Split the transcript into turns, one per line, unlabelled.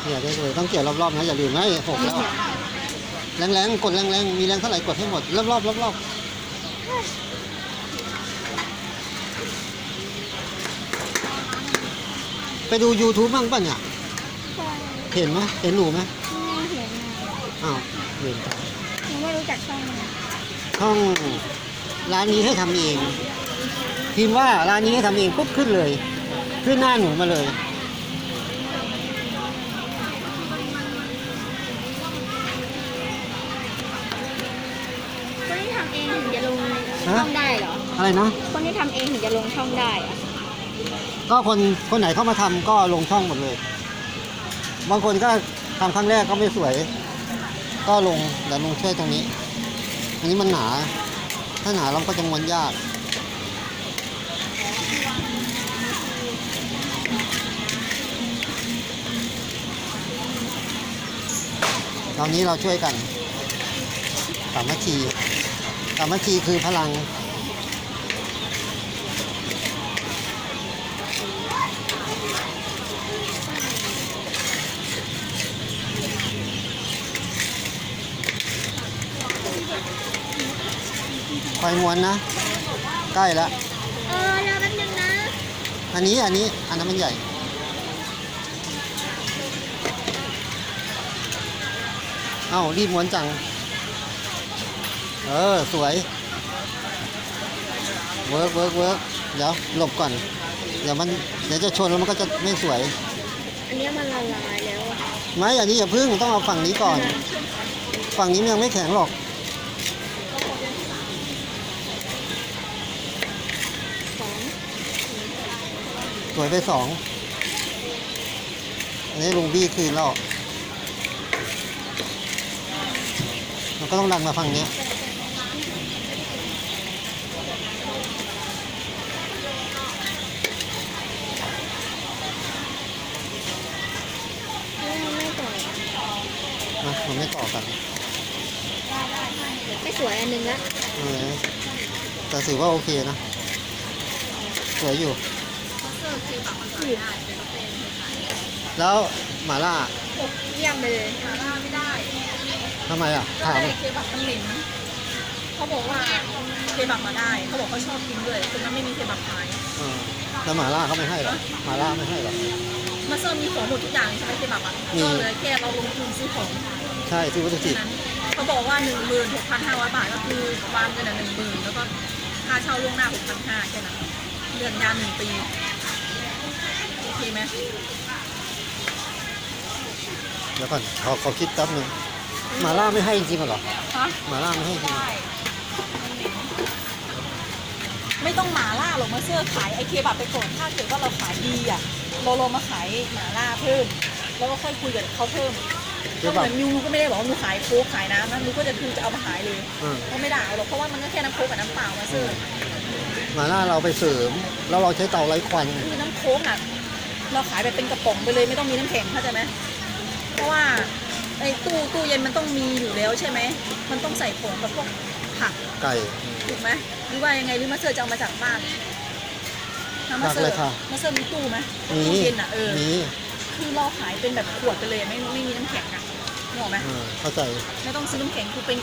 ยได้เลยต้องเกี่ยวรอบๆนะอย่าลืมนะหกแล้วแรงๆกดแรงๆมีแรงเท่าไหร่กดให้หมดรอบๆรอบๆไปดู YouTube บ้างป่ะเนี่ยเห็นไหมเห็นหนูไหม
ไม่เห็นนะ
อ้าวเห็น
หนูไม่รู้จักช่องนะ
ช่องร้านนี้ให้ทำเองพิมพ์ว่าร้านนี้ให้ทำเองปุ๊บขึ้นเลยขึ้นหน้าหนูมาเลย
คนที่ทำเองถึงจะลงช่องได้เหรอ
อะไรนะ
คนที่ทำเองถึงจะลงช่องได้อะ
ก็คนไหนเข้ามาทำก็ลงช่องหมดเลยบางคนก็ทำครั้งแรกก็ไม่สวยก็ลงเดี๋ยวลงช่วยตรงนี้อันนี้มันหนาถ้าหนาเราก็จะม้วนยากตอนนี้เราช่วยกันสามัคคีคือพลังคอยม้วนนะใกล้แล้ว
รอแป๊บนึงนะ
อันนั้นมันใหญ่เอ้ารีบม้วนจังสวยเวิร์กเดี๋ยวหลบก่อนเดี๋ยวจะชนแล้วมันก็จะไม่สวย
อันนี้มันละลายแล้วอะ
ไม่อันนี้อย่าพึ่งต้องเอาฝั่งนี้ก่อนฝั่งนี้มันยังไม่แข็งหรอกสวยไป2อันนี้ลุงบี้คืนแล้วมันก็ต้องดันมาฝั่งนี้มันไม่ต่อกัน
ไม่สวยอันนึงละ
แต่ถือว่าโอเคนะสวยอยู่แล้วหม่าล่า
เยี่ยมไปเลย
ทำไมอ่ะถาม
เคบับมันเหม็นเขาบอกว่าเคบับมาได้เขาบอกเขาชอบกินด้วยคือมันไม่มีเคบับขาย
แล้วหม่าล่าเขาไม่ให้หรอหม่าล่าไม่ให้หรอ
มาเซอร์มีของหมดทุกอย่างใช่ไหมเคบับอ่ะก็เลยแค่เราลงทุนซื้อของ
ใช่ซื้อวัตถุดิบ
นั้นเขาบอกว่า 16,500 บาทก็คือวางเงิน10,000แล้วก็ค่าเช่าล่วงหน้า 6,500แค่นั้นเดือนยาว1 ปีโอเคไหม
เดี๋ยวก่อนขอคิดแป๊บนึงหม่าล่าไม่ให้จริงๆเหรอ
ฮะ
หม่าล่าไม่ให้จริง
ใช่ไม่ต้องหมาล่าหรอกมาเซอร์ขายไอเคบับไปก่อนถ้าเกิดว่าเราขายดีอ่ะเรามาขายหมาล่าเพิ่มแล้วก็ค่อยคุยกับเขาเพิ่มก็เหมือนยูก็ไม่ได้บอกว่ายูขายโค้กขายน้ำนะยูก็จะคือจะเอามาขายเลยก็ไม่ได้หรอกเพราะว่ามันก็แค่น้ำโค้กกับน้ำเปล่ามาเซอร์
หม่าล่าเราไปเสริมแล้วเราใช้เตาไร้ควัน
คือน้ำโค้กอ่ะเราขายแบบเป็นกระป๋องไปเลยไม่ต้องมีน้ำแข็งเข้าใจไหมเพราะว่าไอ้ตู้เย็นมันต้องมีอยู่แล้วใช่ไหมมันต้องใส่ผงกับพวกผัก
ไก่
ถูกไหมหรือว่ายังไงหรือมาเซอร์จะเอามาจากบ้านมาเซอร์มีตู้ไหมตู้เย็นอ่ะ
มี
คือเราขายเป็นแบบขวดไปเลยไม่มีน้ำแข็งอ่ะนึกออกไหม
เข้าใจ
ไม่ต้องซื้อน้ำแข็งคือเป็น